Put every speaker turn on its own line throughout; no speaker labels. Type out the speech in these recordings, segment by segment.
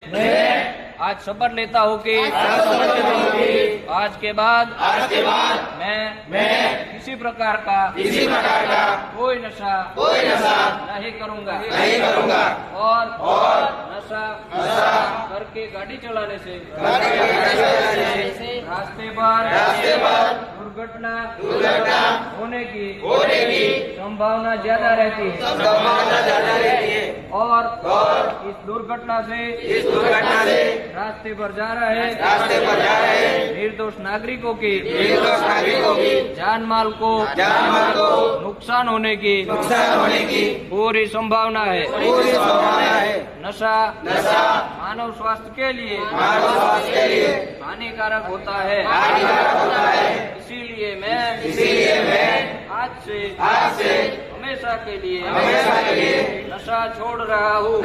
आज शपथ लेता हूँ कि आज के बाद मैं किसी प्रकार का कोई नशा नहीं करूँगा और नशा करके गाड़ी चलाने से रास्ते पर दुर्घटना होने की संभावना ज्यादा रहती है और इस दुर्घटना से रास्ते पर जा रहे निर्दोष नागरिकों की जान माल को नुकसान होने की पूरी संभावना है। नशा मानव स्वास्थ्य के लिए हानिकारक होता है। इसीलिए मैं आज से हमेशा के लिए नशा छोड़ रहा हूँ।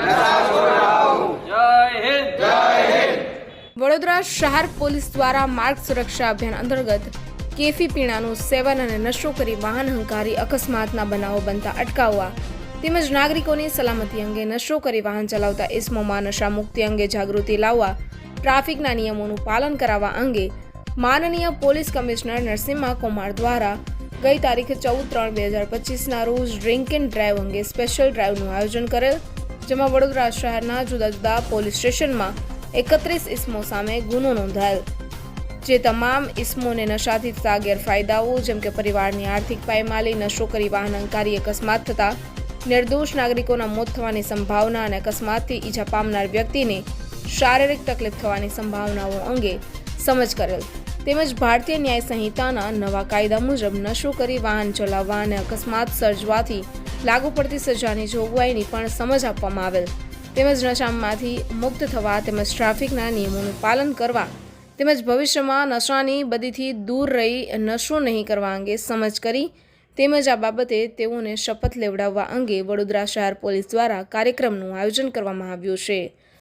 जय हिंद।
વડોદરા શહેર પોલીસ દ્વારા માર્ગ સુરક્ષા અભિયાન અંતર્ગત કેફી પીણાનું સેવન અને નશો કરી વાહન હંકારી અકસ્માતના બનાવો બનતા અટકાવવા તેમજ નાગરિકોની સલામતી અંગે નશો કરી વાહન ચલાવતા ઇસમોમાં નશા મુક્તિ અંગે જાગૃતિ લાવવા ટ્રાફિકના નિયમોનું પાલન કરાવવા અંગે માનનીય પોલીસ કમિશનર નરસિમ્હા કુમાર દ્વારા ગઈ તારીખ 14/3/2025ના રોજ ડ્રિંક એન્ડ ડ્રાઈવ અંગે સ્પેશિયલ ડ્રાઈવનું આયોજન કરેલ, જેમાં વડોદરા શહેરના જુદા જુદા પોલીસ સ્ટેશનમાં 31 ઇસમો સામે ગુનો નોંધાયેલ, જે તમામ ઇસમોને નશાથી થતા ગેરફાયદાઓ જેમ કે પરિવારની આર્થિક પાયમાલી, નશો કરી વાહન અંકારી અકસ્માત થતા નિર્દોષ નાગરિકોના મોત થવાની સંભાવના અને અકસ્માતથી ઈજા પામનાર વ્યક્તિને શારીરિક તકલીફ થવાની સંભાવનાઓ અંગે સમજ કરેલ, તેમજ ભારતીય ન્યાય સંહિતાના નવા કાયદા મુજબ નશો કરી વાહન ચલાવવા અને અકસ્માત સર્જવાથી લાગુ પડતી સજાની જોગવાઈની પણ સમજ આપવામાં આવેલ, તેમજ નશામાંથી મુક્ત થવા તેમજ ટ્રાફિકના નિયમોનું પાલન કરવા તેમજ ભવિષ્યમાં નશાની બદીથી દૂર રહી નશો નહીં કરવા અંગે સમજ કરી તેમજ આ બાબતે તેઓને શપથ લેવડાવવા અંગે વડોદરા શહેર પોલીસ દ્વારા કાર્યક્રમનું આયોજન કરવામાં આવ્યું છે।